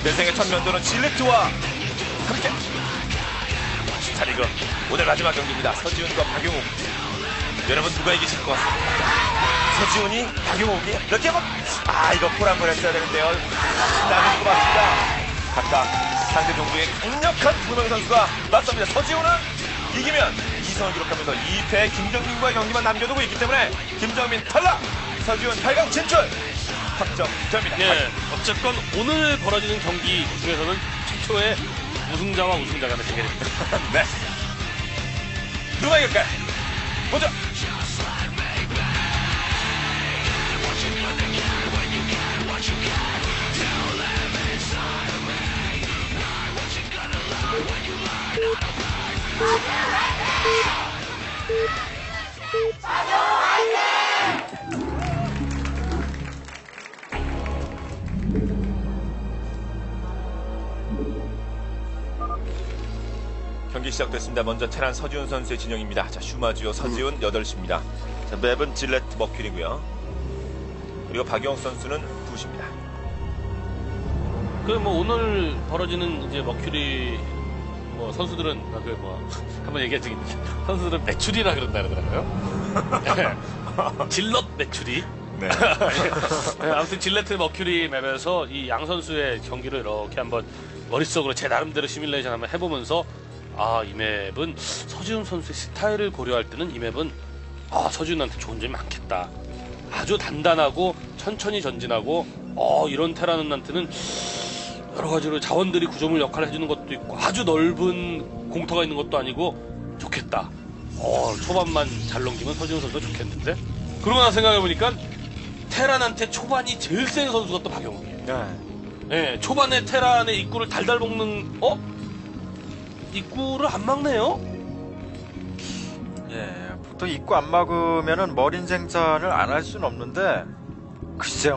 대생의 첫 면도는 질레트와 함께. 자, 리그 오늘 마지막 경기입니다. 서지훈과 박용욱. 여러분 누가 이기실 것 같습니다. 서지훈이 박용욱이 이렇게 하면 이거 폴 한 번 했어야 되는데요. 신나는 것 같습니다. 각각 상대 종부의 강력한 두 명의 선수가 맞섭니다. 서지훈은 이기면 2승을 기록하면서 2패 김정민과의 경기만 남겨두고 있기 때문에 김정민 탈락! 서지훈 8강 진출! 확정됩니다. 예, 어쨌건 오늘 벌어지는 경기 중에서는 최초의 우승자와 우승자 간의 대결입니다. 네. 누가 이길까요? 보죠! 경기 시작됐습니다. 먼저 테란 서지훈 선수의 진영입니다. 자, 슈마지오 서지훈 8시입니다. 자, 맵은 질레트 머큐리고요. 그리고 박영욱 선수는 2시입니다. 그 뭐 오늘 벌어지는 이제 머큐리 뭐 선수들은 한번 얘기한 적이 있는데 선수들은 매출이라 그런다 그러더라고요. 질럿 매출이. 네. 네, 아무튼 질레트 머큐리 맵에서 이 양 선수의 경기를 이렇게 한번 머릿속으로 제 나름대로 시뮬레이션 한번 해보면서 이 맵은 서지훈 선수의 스타일을 고려할 때는 이 맵은 서지훈한테 좋은 점이 많겠다. 아주 단단하고 천천히 전진하고 이런 테란한테는 여러 가지로 자원들이 구조물 역할을 해주는 것도 있고 아주 넓은 공터가 있는 것도 아니고 좋겠다. 초반만 잘 넘기면 서지훈 선수가 좋겠는데 그러고 나서 생각해보니까 테란한테 초반이 제일 센 선수가 또 박영욱이에요. 네, 초반에 테란의 입구를 달달 먹는 입구를 안 막네요? 예, 보통 입구 안 막으면은 머린 생산을 안 할 수는 없는데, 글쎄요,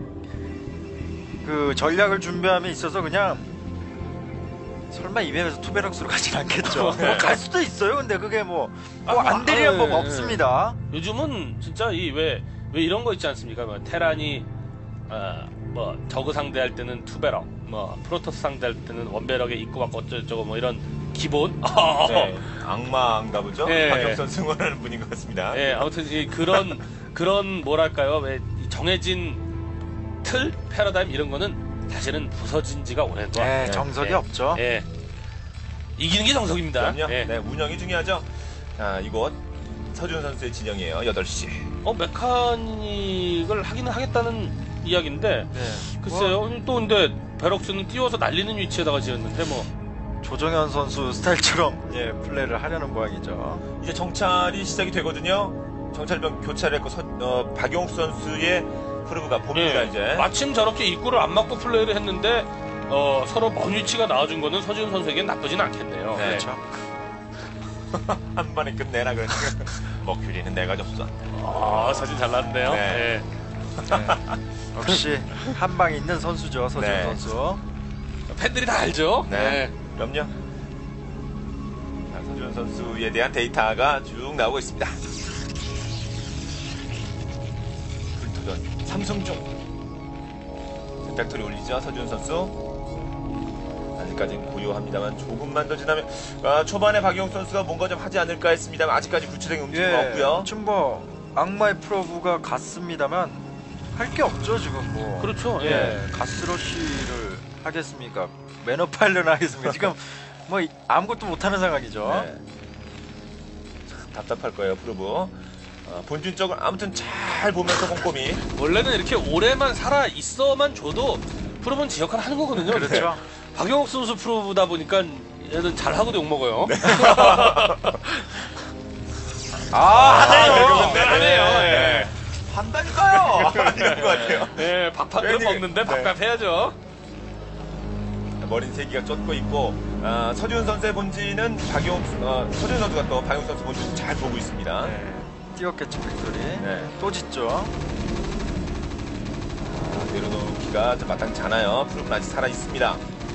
그 전략을 준비함에 있어서 그냥 설마 이 맵에서 투베럭스로 가진 않겠죠. 갈 수도 있어요. 근데 그게 안 되리는 법 없습니다. 요즘은 진짜 왜 이런 거 있지 않습니까? 테란이 저그 상대할 때는 투베럭, 프로토스 상대할 때는 원베럭에 입구 막고 어쩌고저쩌고 이런 기본. 네, 악마인가 보죠? 네. 박영욱 선수 응원하는 분인 것 같습니다. 네, 아무튼 그런 뭐랄까요? 왜 정해진 틀, 패러다임 이런 거는 사실은 부서진 지가 오랜 동안. 정석이 없죠. 이기는 게 정석입니다. 그럼요. 네, 운영이 중요하죠. 자, 이곳 서지훈 선수의 진영이에요. 8시. 메카닉을 하기는 하겠다는 이야기인데 글쎄요. 또 근데 베럭스는 띄워서 날리는 위치에다가 지었는데 조정현 선수 스타일처럼 플레이를 하려는 모양이죠. 이제 정찰이 시작이 되거든요. 정찰병 교차를 했고 박용욱 선수의 프로브가 봅니다. 이제 마침 저렇게 입구를 안 막고 플레이를 했는데 서로 먼 위치가 나와준 거는 서지훈 선수에겐 나쁘진 않겠네요. 네. 그렇죠. 한 번에 끝내라 그러니까 머큐리는 내가 접수한다. 사진 잘 나왔네요. 네. 역시 한 방 있는 선수죠, 서지훈 네. 선수. 팬들이 다 알죠. 네. 그럼요. 자, 서지훈 선수에 대한 데이터가 쭉 나오고 있습니다. 불토전 삼성중 벡터리 올리죠. 서지훈 선수 아직까지는 고요합니다만 조금만 더 지나면 초반에 박용욱 선수가 뭔가 좀 하지 않을까 했습니다만 아직까지 구체적인 움직임은 없고요. 지금 악마의 프로브가 갔습니다만 할 게 없죠 지금 그렇죠. 가스러쉬를 하겠습니까? 매너 파일런을 하겠습니까? 지금 아무것도 못하는 상황이죠. 네. 참 답답할 거예요, 프로브. 본진적으로 아무튼 잘 보면서 꼼꼼히. 원래는 이렇게 오래만 살아 있어만 줘도 프로는 지 역할 하는 거거든요. 그렇죠. 박영욱 선수 프로보다 보니까 얘는 잘하고도 욕먹어요. 네. 하네요. 하네요. 한다니까요. 이런 것 같아요. 네, 밥 한 그릇 먹는데 밥값 해야죠. 머린 세기가 쫓고 있고 서지훈 선수의 본진은 서지훈 선수가 또 박용욱 선수 본진 잘 보고 있습니다. 띄었겠죠 팩토리. 또 짓죠. 내려놓기가 마땅치 않아요. 프로는 아직 살아 있습니다.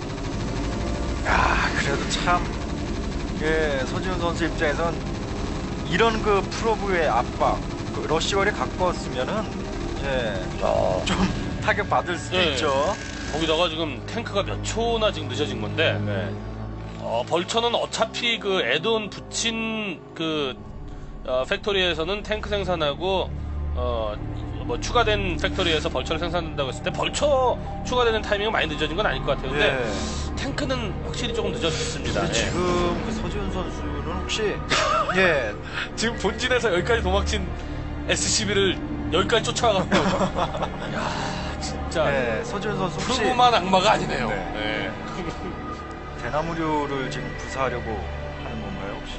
그래도 참 서지훈 선수 입장에선 이런 프로브의 압박, 러시월에 가까웠으면은 좀 타격 받을 수도 있죠. 거기다가 지금 탱크가 몇 초나 지금 늦어진 건데 네. 벌처는 어차피 그 애돈 붙인 그 팩토리에서는 탱크 생산하고 뭐 추가된 팩토리에서 벌처를 생산한다고 했을 때 벌처 추가되는 타이밍은 많이 늦어진 건 아닐 것 같아요. 근데 예. 탱크는 확실히 조금 늦어졌습니다. 근데 예. 지금 그 서지훈 선수는 혹시 예 지금 본진에서 여기까지 도망친 SCB를 여기까지 쫓아가고 야 진짜 예, 서지훈 선수 혹시 프로만 악마가 아니네요. 네. 예. 대나무류를 지금 구사하려고 하는 건가요 혹시?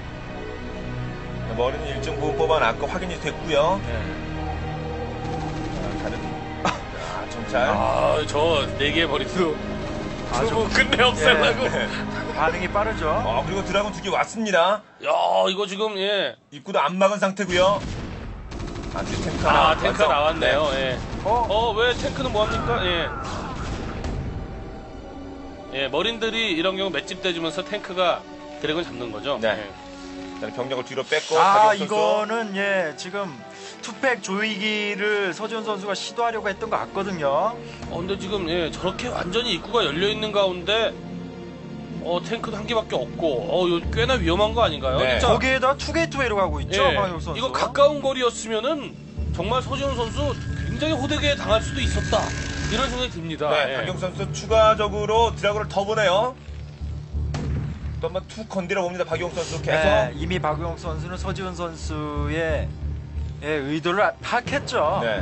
머리는 일정 부분 뽑아놨고 확인이 됐고요. 예. 다른 정찰. 저 4개의 머리도 아주 아주 끝내 없애려고. 예. 반응이 빠르죠. 그리고 드라곤 2개 왔습니다. 야 이거 지금 예. 입구도 안 막은 상태고요. 안돼 탱크 하나 탱크가 완성. 나왔네요. 예. 어? 왜 탱크는 뭐합니까? 예. 예, 머린들이 이런 경우 맷집 대주면서 탱크가 드래곤 잡는 거죠. 네. 예. 일단 병력을 뒤로 뺐고 아 박영 선수. 이거는 예 지금 투팩 조이기를 서지훈 선수가 시도하려고 했던 것 같거든요. 근데 지금 예, 저렇게 완전히 입구가 열려 있는 가운데 탱크도 한 개밖에 없고 이거 꽤나 위험한 거 아닌가요? 네. 진짜 거기에다 투게이트웨이로 가고 있죠. 예, 박영 선수. 이거 가까운 거리였으면은 정말 서지훈 선수 굉장히 호되게 당할 수도 있었다. 이런 생각이 듭니다. 네, 예. 박영 선수 추가적으로 드라곤을 더 보내요. 또 한번 툭 건드려 봅니다. 박용 선수 계속. 네, 이미 박용 선수는 서지훈 선수의 의도를 파악했죠. 네.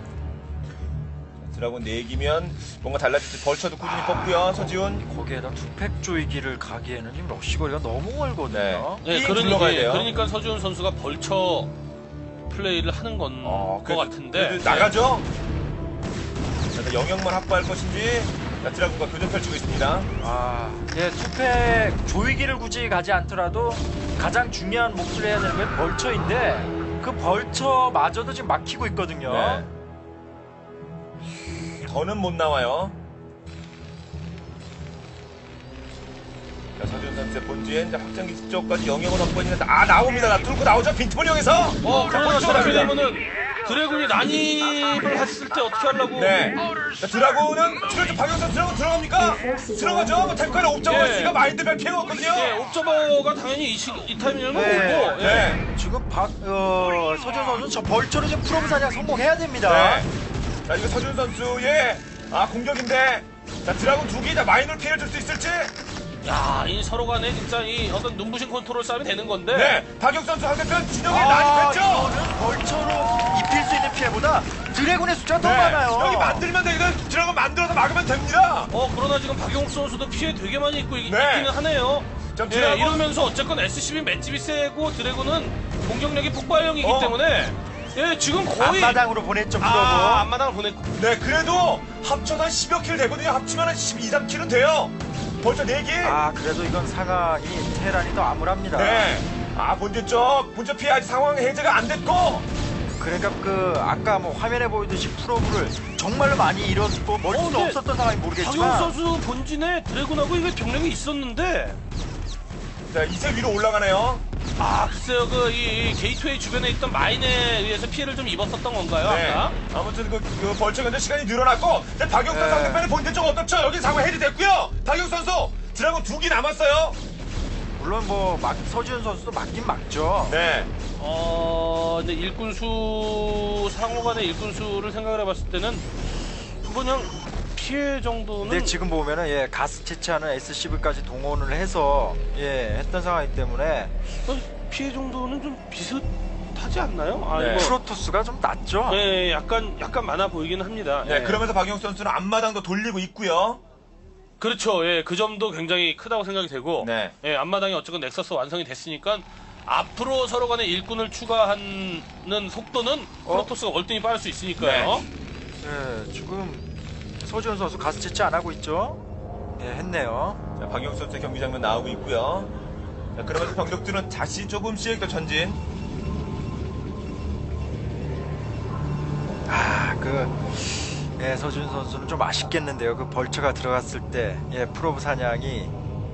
드라곤 4기면 뭔가 달라질지 벌쳐도 꾸준히 뽑고요. 서지훈. 거기에다 투팩 조이기를 가기에는 지금 러시거리가 너무 멀거든요. 네. 둘러가야 돼요. 그러니까 서지훈 선수가 벌처 플레이를 하는 건 것 같은데 그래도 나가죠. 자, 영역만 확보할 것인지. 자, 드라곤과 교전 펼치고 있습니다. 투팩 조이기를 굳이 가지 않더라도 가장 중요한 몫을 해야 되는 건 벌처인데 그 벌처마저도 지금 막히고 있거든요. 네. 더는 못 나와요. 자, 서준 선수의 본진 확장기 쪽까지 영역을 확보했는데 나옵니다. 뚫고 나오죠. 빈틈을 이용해서. 그러나 벌처가 저렇게 됩니다. 되면은 드래곤이 난입을 했을 때 어떻게 하려고? 네. 자, 드라곤은 지금 박영 선수 드라곤 들어갑니까? 들어가죠. 뭐 탱크에 옵저버 예. 있으니까 마인드 별 필요가 없거든요. 예, 옵저버가 당연히 이 타이밍이면 네. 오고. 예. 네. 지금 서지훈 선수는 저 벌처로 지금 프로브 사냥 성공해야 됩니다. 네. 자, 이거 서준 선수의 공격인데 자, 드라곤 2개 다 마인을 피해 줄 수 있을지. 야, 이 서로 간에 진짜 이 어떤 눈부신 컨트롤 싸움이 되는 건데. 네. 박영 선수 상대편 진영에 난입했죠. 이거는 벌처로 입힐 수 있는 피해보다 드래곤의 숫자가 더 네. 많아요. 여기 만들면 되거든. 드라곤 만들어서 막으면 됩니다. 그러나 지금 박용욱 선수도 피해 되게 많이 네. 있기는 하네요. 좀 예, 드라곤- 이러면서 어쨌건 SCB 맷집이 세고 드래곤은 공격력이 폭발형이기 때문에 예, 지금 거의 앞마당으로 보냈죠 프로브. 앞마당을 보냈고. 네, 그래도 합쳐서 한 10여 킬 되거든요. 합치면 한 12, 3킬은 돼요. 벌써 4개. 그래도 이건 상황이 테란이 더 암울합니다. 네. 본진 피해 아직 상황 해제가 안 됐고. 그러니까 아까 뭐 화면에 보이듯이 프로브를 정말로 많이 잃었고 멀티도 근데 없었던 상황이 박용욱 모르겠지만 선수 본진에 드래곤하고 이게 병력이 있었는데 자, 이제 위로 올라가네요. 글쎄요 이 게이트웨이 주변에 있던 마인에 의해서 피해를 좀 입었었던 건가요? 네. 아까? 아무튼 그 벌처 견제 시간이 늘어났고, 근데 박영선 네. 상대편의 본진 쪽 어떻죠? 여기 상황 해제됐고요. 박영 선수 드라곤 2개 남았어요. 물론 서지훈 선수도 맞긴 맞죠. 네. 근데 일꾼수 상호 간의 일꾼수를 생각을 해봤을 때는 그냥 피해 정도는 근데 지금 보면은 가스 채취하는 SCV까지 동원을 해서 했던 상황이기 때문에 피해 정도는 좀 비슷하지 않나요? 네. 이거 프로토스가 좀 낮죠. 네, 약간 많아 보이긴 합니다. 네, 예. 그러면서 박영 선수는 앞마당도 돌리고 있고요. 그렇죠. 예, 그 점도 굉장히 크다고 생각이 되고, 네. 예, 앞마당이 어쨌건 넥서스 완성이 됐으니까 앞으로 서로 간에 일꾼을 추가하는 속도는 프로토스가 월등히 빠를 수 있으니까요. 네, 지금 서지훈 선수 가스 채취 안 하고 있죠. 했네요. 자, 박영 선수의 경기 장면 나오고 있고요. 자, 그러면서 병력들은 다시 조금씩 더 전진. 서지훈 선수는 좀 아쉽겠는데요. 그 벌처가 들어갔을 때 프로브 사냥이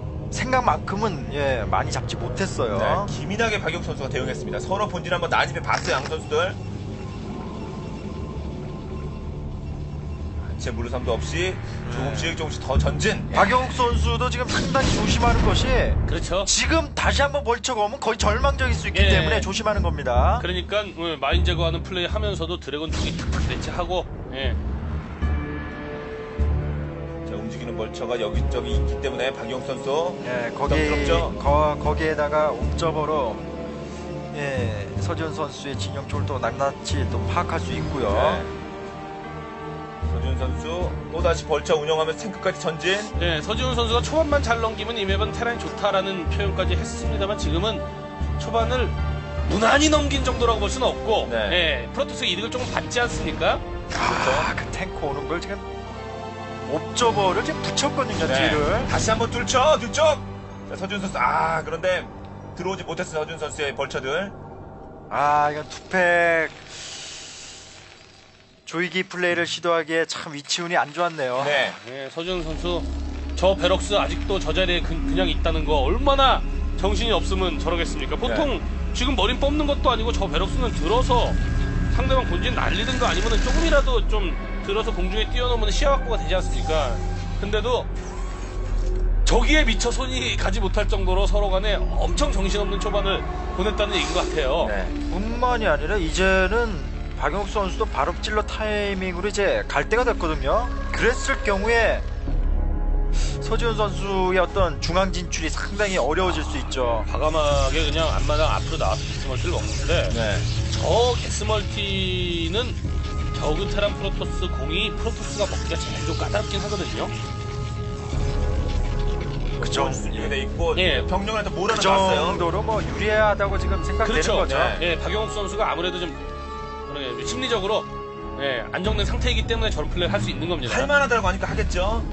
생각만큼은 많이 잡지 못했어요. 네, 기민하게 박영 선수가 대응했습니다. 서로 본진 한번 난입해 봤어요, 양 선수들. 일체 무르삼도 없이 조금씩 더 전진. 박영욱 선수도 지금 상당히 조심하는 것이 그렇죠. 지금 다시 한번 벌처가 오면 거의 절망적일 수 있기 예. 때문에 조심하는 겁니다. 그러니까 마인 제거하는 플레이 하면서도 드래곤 두기 탁탁 대체하고 예. 자, 움직이는 벌처가 여기저기 있기 때문에 박용 선수 예, 부담스럽죠? 거기에다가 옵저버로 예, 서지훈 선수의 진영 쪽을 또 낱낱이 또 파악할 수 있고요. 네. 서준 선수 또다시 벌처 운영하면서 탱크까지 전진. 네, 서지훈 선수가 초반만 잘 넘기면 이 맵은 테란이 좋다라는 표현까지 했습니다만 지금은 초반을 무난히 넘긴 정도라고 볼 수는 없고 네. 예, 프로토스 이득을 조금 받지 않습니까? 그 탱크 오는 걸 지금 옵저버를 지금 붙였거든요. 네. 뒤를. 다시 한번 뚫죠. 뒤쪽. 자, 서준 선수. 그런데 들어오지 못했어요. 서준 선수의 벌처들. 이건 투팩 조이기 플레이를 시도하기에 참 위치운이 안 좋았네요. 네. 예, 서지훈 선수 저 베럭스 아직도 저 자리에 그냥 있다는 거 얼마나 정신이 없으면 저러겠습니까? 보통 지금 머린 뽑는 것도 아니고 저 베럭스는 들어서 상대방 본진 날리든가 아니면 조금이라도 좀 들어서 공중에 띄워놓으면 시야 확보가 되지 않습니까? 근데도 저기에 미처 손이 가지 못할 정도로 서로 간에 엄청 정신없는 초반을 보냈다는 얘기인 것 같아요. 네. 뿐만이 아니라 이제는 박영욱 선수도 바로 찔러 타이밍으로 이제 갈 때가 됐거든요. 그랬을 경우에 서지훈 선수의 어떤 중앙 진출이 상당히 어려워질 수 있죠. 과감하게 그냥 앞마당 앞으로 나와서 게스멀티를 먹는데 네. 저 게스멀티는 저그 테란 프로토스 공이 프로토스가 먹기가 제일 좀 까다롭긴 하거든요. 그쵸. 준비가 돼 있고 예. 병력을 또 그 몰아놨어요. 정도로 뭐 유리하다고 지금 생각되는 그렇죠. 거죠. 네. 예, 박영욱 선수가 아무래도 좀 심리적으로 예, 안정된 상태이기 때문에 저런 플레이를 할 수 있는 겁니다. 할만하다고 하니까 하겠죠.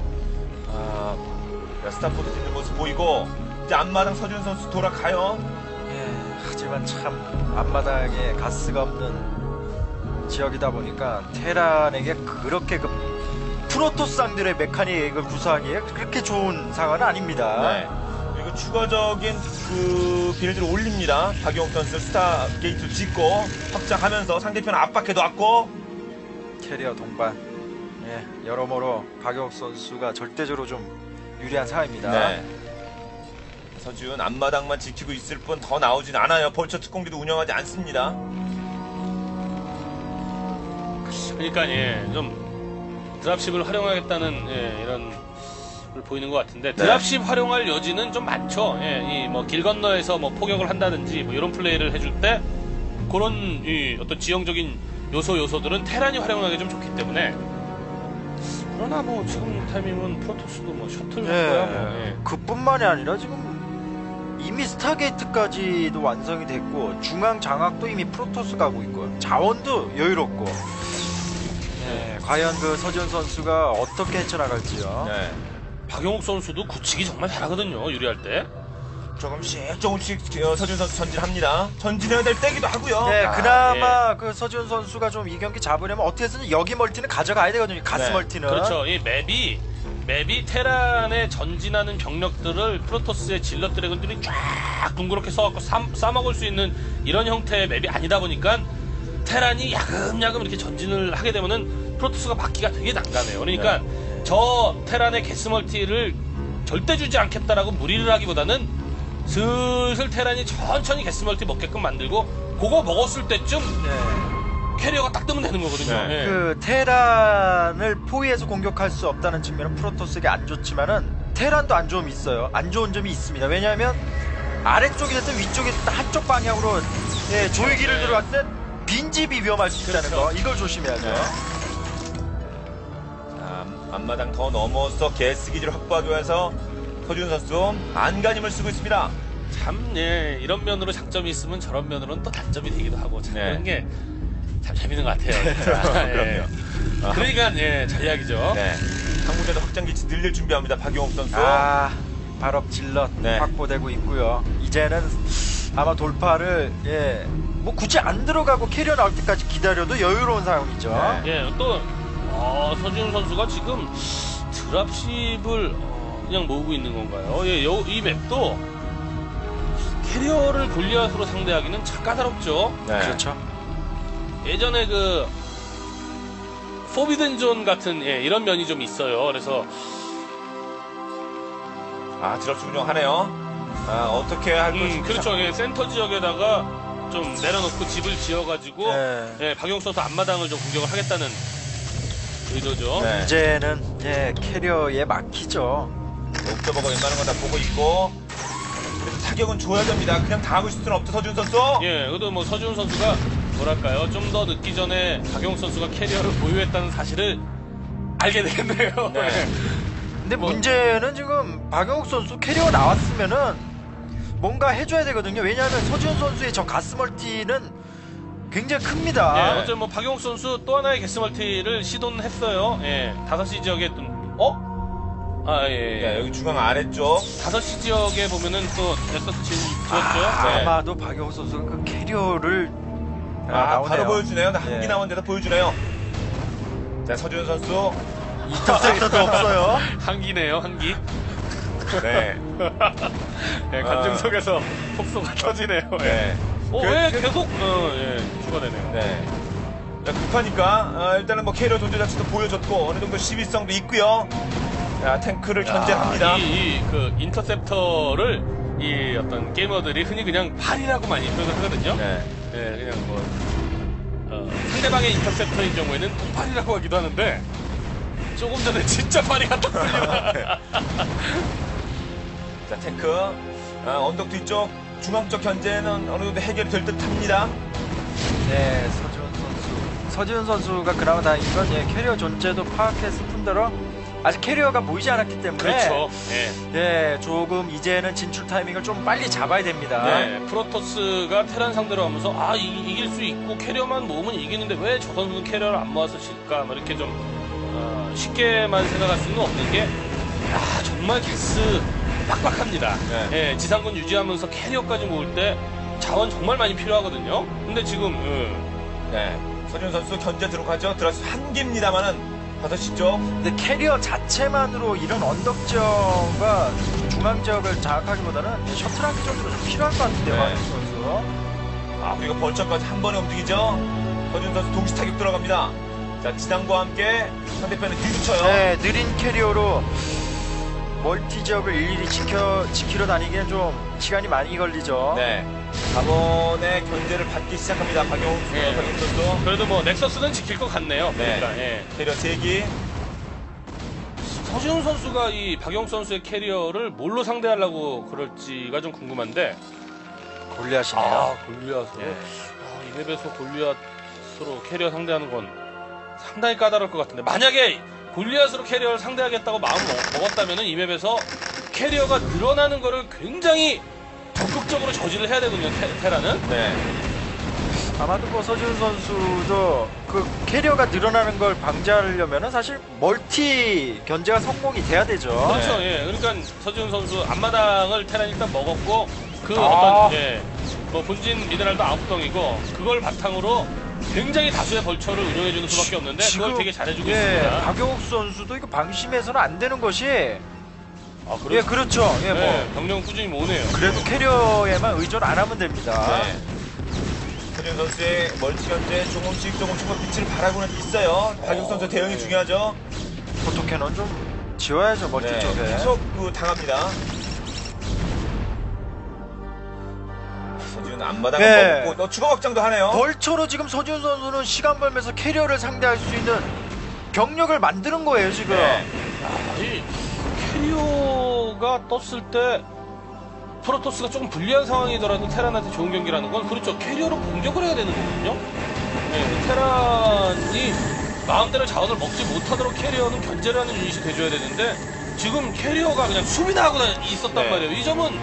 스타포트 뛰는 모습 보이고 이제 앞마당 서준 선수 돌아가요. 예, 하지만 참 앞마당에 가스가 없는 지역이다 보니까 테란에게 그렇게 그 프로토스상들의 메카닉을 구사하기에 그렇게 좋은 상황은 아닙니다. 네. 그리고 추가적인 그 빌드를 올립니다. 박용욱 선수 스타 게이트 짓고 확장하면서 상대편 압박해 놨고. 캐리어 동반, 예, 여러모로 박영욱 선수가 절대적으로 좀 유리한 상황입니다. 네. 서지훈 앞마당만 지키고 있을 뿐 더 나오진 않아요. 벌처 특공기도 운영하지 않습니다. 그러니까 예, 좀 드랍십을 활용하겠다는 예, 이런 걸 보이는 것 같은데 드랍십 활용할 여지는 좀 많죠. 예, 이 뭐 길 건너에서 뭐 포격을 한다든지 뭐 이런 플레이를 해줄 때 그런 이 어떤 지형적인 요소들은 테란이 활용하기 좀 좋기 때문에. 그러나 뭐 지금 타이밍은 프로토스도 뭐 셔틀 할 거야 뭐. 예. 그뿐만이 아니라 지금 이미 스타게이트까지도 완성이 됐고 중앙 장악도 이미 프로토스 가고 있고요. 자원도 여유롭고. 예, 과연 그 서지훈 선수가 어떻게 헤쳐나갈지요. 네. 박영욱 선수도 굳히기 정말 잘하거든요. 유리할 때. 조금씩 서준 선수 전진합니다. 전진해야 될 때기도 하고요. 네, 그나마 그 서지훈 선수가 좀 이 경기 잡으려면 어떻게 해서든 여기 멀티는 가져가야 되거든요. 가스 네, 멀티는. 그렇죠. 이 맵이 테란에 전진하는 병력들을 프로토스의 질럿 드래곤들이 쫙 둥그렇게 써갖고 싸먹을 수 있는 이런 형태의 맵이 아니다 보니까 테란이 야금야금 이렇게 전진을 하게 되면은 프로토스가 막기가 되게 난감해요. 그러니까 저 테란의 게스멀티를 절대 주지 않겠다라고 무리를 하기보다는 슬슬 테란이 천천히 게스멀티 먹게끔 만들고 그거 먹었을 때쯤 네. 캐리어가 딱 뜨면 되는 거거든요. 네. 예. 그 테란을 포위해서 공격할 수 없다는 측면은 프로토스에게 안 좋지만은 테란도 안 좋음이 있어요. 안 좋은 점이 있습니다. 왜냐하면 아래쪽이 됐든 위쪽이 됐든 한쪽 방향으로 예, 조이기를 네. 들어갔을 때 빈집이 위험할 수 있다는 그렇죠. 거. 이걸 조심해야죠. 네. 자, 앞마당 더 넘어서 게스 기지를 확보하기 위해서 서준 선수 안간힘을 쓰고 있습니다. 참, 예, 이런 면으로 장점이 있으면 저런 면으로는 또 단점이 되기도 하고, 참, 네. 그런 게 참 재밌는 것 같아요. 진짜. 예. 그럼요. 그러니까, 예, 전략이죠. 네. 한국에도 확장 기지 늘릴 준비합니다. 박용욱 선수. 발업 질럿 네. 확보되고 있고요. 이제는 아마 돌파를 예, 뭐 굳이 안 들어가고 캐리어 나올 때까지 기다려도 여유로운 상황이죠. 네. 예, 또, 서지훈 선수가 지금 드랍십을 그냥 모으고 있는 건가요? 예, 이 맵도 캐리어를 골리앗으로 상대하기는 참 까다롭죠. 네. 그렇죠. 예전에 그 포비든 존 같은 이런 면이 좀 있어요. 그래서 드랍스 운영하네요. 어떻게 할 것인지. 그렇죠. 센터 지역에다가 좀 내려놓고 집을 지어가지고 박용수 선수 앞마당을 좀 공격을 하겠다는 의도죠. 네. 이제는 캐리어에 막히죠. 옥저버가 웬만한 건 다 보고 있고. 그래서 타격은 줘야 됩니다. 그냥 당하고 있을 수는 없죠, 서준 선수. 그래도 뭐 서지훈 선수가 뭐랄까요, 좀 더 늦기 전에 박용수 선수가 캐리어를 보유했다는 사실을 알게 되겠네요. 네. 근데 문제는 지금 박영욱 선수 캐리어 나왔으면은 뭔가 해줘야 되거든요. 왜냐하면 서지훈 선수의 저 가스 멀티는 굉장히 큽니다. 어쨌든 뭐 박용수 선수 또 하나의 게스멀티를 시도는 했어요. 5시 지역에 여기 중앙 아래쪽. 5시 지역에 보면은 또 넥서스 지었죠. 아마도 박영욱 선수가 그 캐리어를 나오네요. 바로 보여주네요. 한기 남은 데서 보여주네요. 자, 서준 선수. 인터셉터도 없어요. 한기네요, 한기. 네. 관중석에서 폭소가 터지네요. 네. 왜 계속 추가되네요. 네. 자, 급하니까 일단은 뭐 캐리어 존재 자체도 보여줬고 어느 정도 시비성도 있고요. 자, 탱크를 견제합니다. 그 인터셉터를 이 어떤 게이머들이 흔히 그냥 팔이라고 많이 표현을 하거든요. 그냥 뭐 상대방의 인터셉터인 경우에는 폭발이라고 하기도 하는데 조금 전에 진짜 팔이 같았습니다. 자, 탱크 언덕 뒤쪽 중앙 쪽 견제는 어느 정도 해결이 될 듯합니다. 네, 서지훈 선수가 그나마 다행인 건 캐리어 존재도 파악했을 뿐더러 아직 캐리어가 보이지 않았기 때문에 그렇죠. 조금 이제는 진출 타이밍을 좀 빨리 잡아야 됩니다. 프로토스가 테란 상대로 하면서 이길 수 있고 캐리어만 모으면 이기는데 왜 저 선수는 캐리어를 안 모아서 질까? 뭐 이렇게 좀 쉽게만 생각할 수는 없는 게 정말 게스 빡빡합니다. 지상군 유지하면서 캐리어까지 모을 때 자원 정말 많이 필요하거든요. 근데 지금 서준 선수 견제 들어가죠. 들어서 한기입니다만은 5시 쪽. 근데 캐리어 자체만으로 이런 언덕 지역과 중앙 지역을 장악하기보다는 셔틀 한 개 정도로 좀 필요할 것 같은데요, 박영욱 선수. 그리고 벌처까지 한 번에 움직이죠. 서준 선수 동시 타격 들어갑니다. 자, 지상과 함께 상대편을 뒤붙여요. 느린 캐리어로 멀티 지역을 일일이 지키러 다니기엔 좀 시간이 많이 걸리죠. 4번의 견제를 받기 시작합니다. 박영욱 선수. 그래도 뭐 넥서스는 지킬 것 같네요. 캐리어 3기. 서지훈 선수가 이 박영욱 선수의 캐리어를 뭘로 상대하려고 그럴지가 좀 궁금한데. 골리앗이네요. 골리앗으로. 이 맵에서 골리앗으로 캐리어 상대하는 건 상당히 까다로울 것 같은데, 만약에 골리앗으로 캐리어를 상대하겠다고 마음을 먹었다면 이 맵에서 캐리어가 늘어나는 거를 굉장히 적극적으로 저지를 해야 되거든요, 테라는. 아마도 뭐 서지훈 선수도 그 캐리어가 늘어나는 걸 방지하려면 사실 멀티 견제가 성공이 돼야 되죠. 그렇죠. 그러니까 서지훈 선수 앞마당을 테란이 일단 먹었고 그 뭐 본진 미네랄도 9덩이고 그걸 바탕으로 굉장히 다수의 벌처를 운영해주는 수밖에 없는데 그걸 되게 잘해주고 있습니다. 박영욱 선수도 이거 방심해서는 안 되는 것이 그렇죠. 병력은 꾸준히 모으네요. 그래도 캐리어에만 의존 안 하면 됩니다. 서준 선수의 멀티 견제 조금씩 빛을 발하고는 있어요. 박영욱 선수 대응이 중요하죠. 포토캐논 좀 지워야죠, 멀티 쪽에. 계속 당합니다. 서준 앞마당을 먹고 또 추가 확장도 하네요. 벌처로 지금 서준 선수는 시간 벌면서 캐리어를 상대할 수 있는 병력을 만드는 거예요, 지금. 이 캐리어가 떴을 때 프로토스가 조금 불리한 상황이더라도 테란한테 좋은 경기라는 건 그렇죠. 캐리어로 공격을 해야 되는 거거든요. 테란이 마음대로 자원을 먹지 못하도록 캐리어는 견제를 하는 유닛이 돼줘야 되는데 지금 캐리어가 그냥 수비나 하고 있었단 말이에요. 이 점은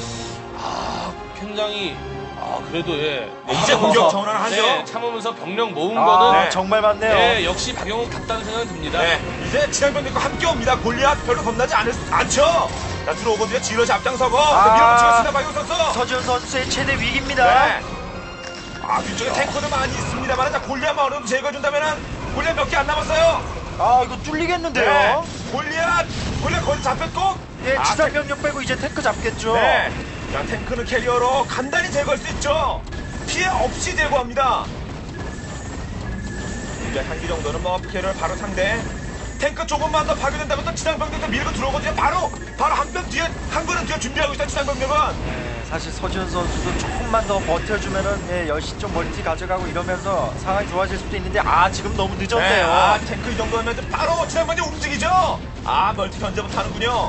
굉장히 그래도 이제 공격 전환하죠. 참으면서 병력 모은 거는 정말 많네요. 역시 박영욱 같다는 생각이 듭니다. 이제 지상병력과 함께 옵니다. 골리앗 별로 겁나지 않죠. 자, 들어오거든요. 질럿이 앞장서고 밀어붙이겠습니다. 박영욱 선수. 서준 선수의 최대 위기입니다. 뒤쪽에 탱커도 많이 있습니다만 자, 골리앗만 어느 정도 제거해준다면은 골리앗 몇 개 안 남았어요. 이거 뚫리겠는데요. 골리앗 거의 잡혔고. 지상병력 빼고 이제 탱크 잡겠죠. 자, 탱크는 캐리어로 간단히 제거할 수 있죠. 피해 없이 제거합니다. 이제 한기 정도는 뭐 피해를 바로 상대. 탱크 조금만 더 파괴된다면 또 지상병력도 밀고 들어오거든요. 바로 한 번 뒤에 한 걸음 뒤에 준비하고 있어요. 지상병력은. 네, 사실 서지훈 선수도 조금만 더 버텨주면은 예, 10시 좀 멀티 가져가고 이러면서 상황이 좋아질 수도 있는데 지금 너무 늦었네요. 탱크 이 정도면 바로 지상병력 움직이죠. 멀티 견제부터 하는군요.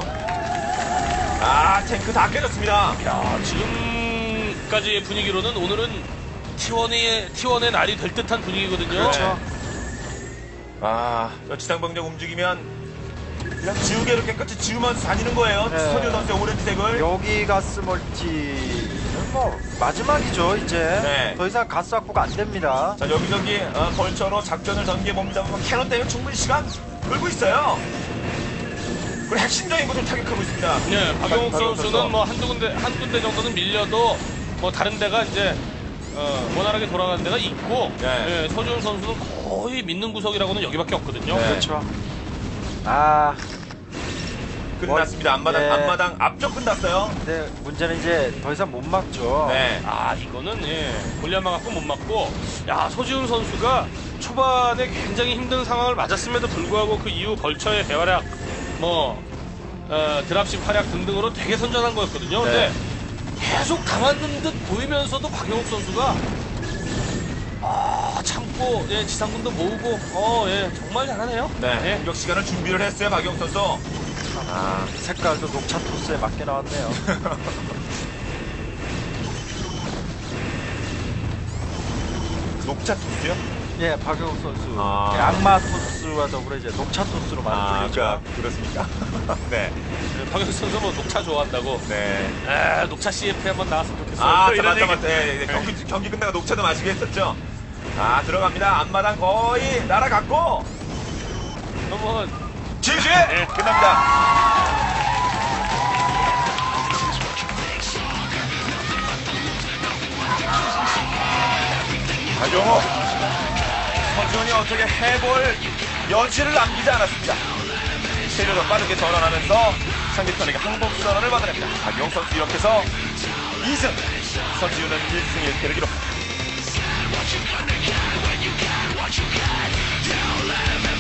탱크 다 깨졌습니다. 야, 지금까지의 분위기로는 오늘은 T1의 날이 될 듯한 분위기거든요. 그렇죠. 저 지상병력 움직이면 그냥 지우개를 깨끗이 지우면서 다니는 거예요. 네. 서지훈 선수의 오렌지색을. 여기 가스 멀티는 뭐 마지막이죠 이제. 네. 더 이상 가스 확보가 안 됩니다. 자, 여기저기 벌처로 작전을 전개해 봅니다. 캐논 때문에 충분히 시간 끌고 있어요. 그리고 핵심적인 것을 타격하고 있습니다. 네, 박용욱 박용욱 선수는 선수. 뭐 한 군데 정도는 밀려도 뭐 다른 데가 이제 원활하게 돌아가는 데가 있고, 네. 서지훈 선수는 거의 믿는 구석이라고는 여기밖에 없거든요. 네. 그렇죠. 끝났습니다. 앞마당 앞쪽 끝났어요. 근데 문제는 이제 더 이상 못 막죠. 네. 이거는 골리앗만 갖고 못 맞고, 서지훈 선수가 초반에 굉장히 힘든 상황을 맞았음에도 불구하고 그 이후 벌처의 대활약, 드랍십 활약 등등으로 되게 선전한 거였거든요. 근데 계속 당하는 듯 보이면서도 박용욱 선수가 참고 지상군도 모으고 정말 잘하네요. 네. 공격 시간을 준비를 했어요. 박용 선수. 색깔도 녹차 토스에 맞게 나왔네요. 녹차 토스요? 예, 박용욱 선수. 아. 예, 악마 토스와 더불어 이제 녹차 토스로 만들어졌죠. 그렇습니까? 네. 박용욱 선수 뭐 녹차 좋아한다고. 네. 녹차 CF에 한번 나왔으면 좋겠어요. 이런 얘기. 맞다. 네. 경기 끝나고 녹차도 마시게 했었죠. 들어갑니다. 앞마당 거의 날아갔고. 한번 지지! 끝납니다. 박용호. 서지훈이 어떻게 해볼 여지를 남기지 않았습니다. 세력을 빠르게 전환하면서 상대편에게 항복 선언을 받아냅니다. 박용호 선수 이렇게 해서 2승, 서지훈은 1승 1패를 기록합니다.